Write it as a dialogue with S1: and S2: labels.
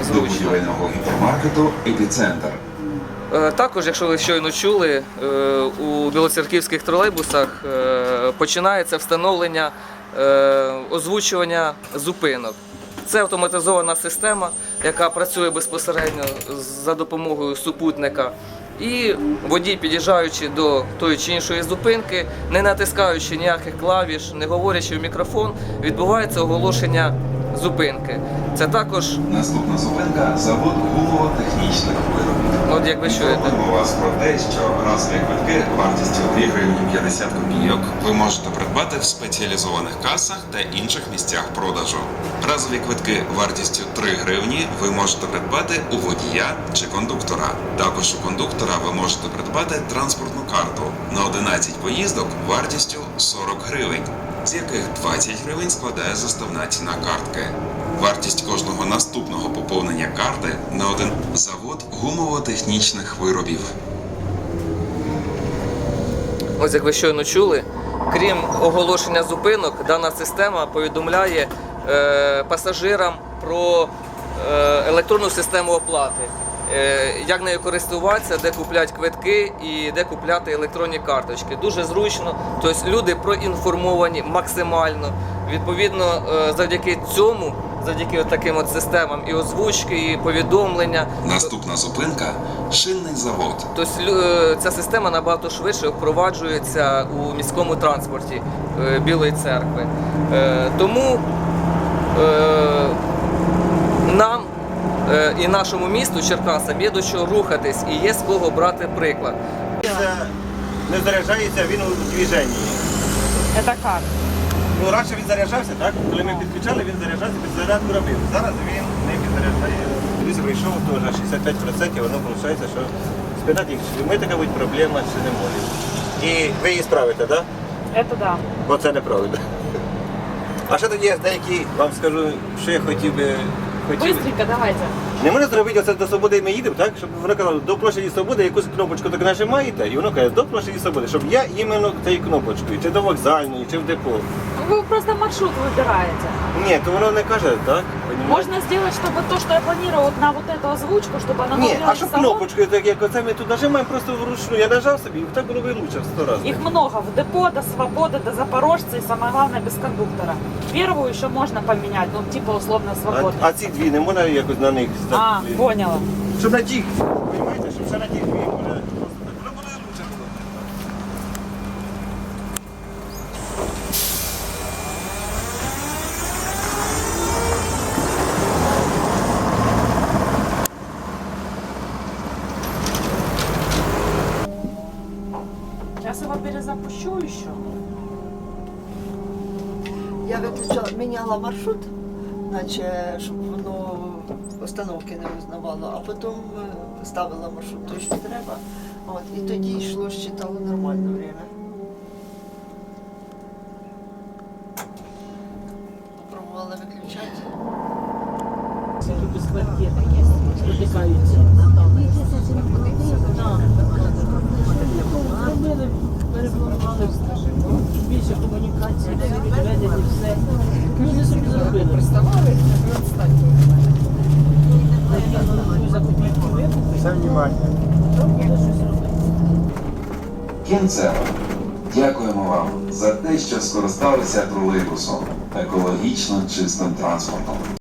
S1: зручно.
S2: До будівельного гіпермаркету «Епіцентр».
S1: Також, якщо ви щойно чули, у білоцерківських тролейбусах починається встановлення озвучування зупинок. Це автоматизована система, яка працює безпосередньо за допомогою супутника. І водій, під'їжджаючи до тої чи іншої зупинки, не натискаючи ніяких клавіш, не говорячи в мікрофон, відбувається оголошення зупинки. Це також...
S2: Наступна зупинка – завод гумово-технічних виробів.
S1: От як ви чуєте.
S2: Інформуємо вас про те, що разові квитки вартістю 2 гривні 50 копійок ви можете придбати в спеціалізованих касах та інших місцях продажу. Разові квитки вартістю 3 гривні ви можете придбати у водія чи кондуктора. Також у кондуктора ви можете придбати транспортну карту на 11 поїздок вартістю 40 гривень, з яких 20 гривень складає заставна ціна картки. Вартість кожного наступного поповнення карти на один завод гумово-технічних виробів.
S1: Ось як ви щойно чули, крім оголошення зупинок, дана система повідомляє пасажирам про електронну систему оплати. Як нею користуватися, де купляти квитки і де купляти електронні карточки. Дуже зручно, тобто люди проінформовані максимально. Відповідно, завдяки цьому, завдяки таким от системам і озвучки, і повідомлення.
S2: Наступна зупинка – шинний завод.
S1: Тобто ця система набагато швидше впроваджується у міському транспорті Білої Церкви. Тому нам і нашому місту, Черкасам, є до чого рухатись і є з кого брати приклад.
S3: Не заряджається, він у движенні.
S4: Это как?
S3: Ну, раніше він заряджався, так? Коли ми підключали, він заряджався, підзарядку робив. Зараз він не підзаряджає. Телевізор вийшов, теж 65%, воно виходить, що спитати їх, чи ми така будь проблема, чи не може. І ви її справите, так?
S4: Это да.
S3: Бо це неправда. А ще тоді є деякі, вам скажу, що я хотів би...
S4: Быстренько давайте.
S3: Не можна зробити оце до Свободи ми їдемо, так? Щоб воно казало, до площаді Свободи якусь кнопочку так нажимаєте, і воно каже, до площаді Свободи, щоб я іменно цією кнопочкою, чи до вокзальної, чи в депо.
S4: Вы просто маршрут выбираете.
S3: Ні, то воно не каже, так?
S4: Можно сделать, чтобы то, что я планировала на вот эту озвучку, чтобы она
S3: Ні, а
S4: говорила
S3: щоб
S4: в салон.
S3: кнопочкою, так як оце ми тут нажимаємо просто вручну, я нажав собі, і так було вилучше в 100 разів.
S4: Их много. В депо, до Свободы, до Запорожца и самое главное без кондуктора. Первую еще можно поменять, ну типа условно Свободы.
S3: А ці дві не можна якось на них
S4: А, поняла.
S3: Щоб на тих, розумієте, щоб ще на тих дві може просто так. Воно буде лучше було.
S4: Сейчас его перезапущу еще.
S5: Я виключала, міняла маршрут, наче, щоб воно остановки не визнавало, а потім ставила маршрут той, що треба. От, і тоді йшло, считало нормальне время. Пробувала виключати.
S6: Більше комунікації, відведені, все. Люди собі зробили.
S3: Все внимання.
S2: Кінцево. Дякуємо вам за те, що скористалися тролейбусом, екологічно чистим транспортом.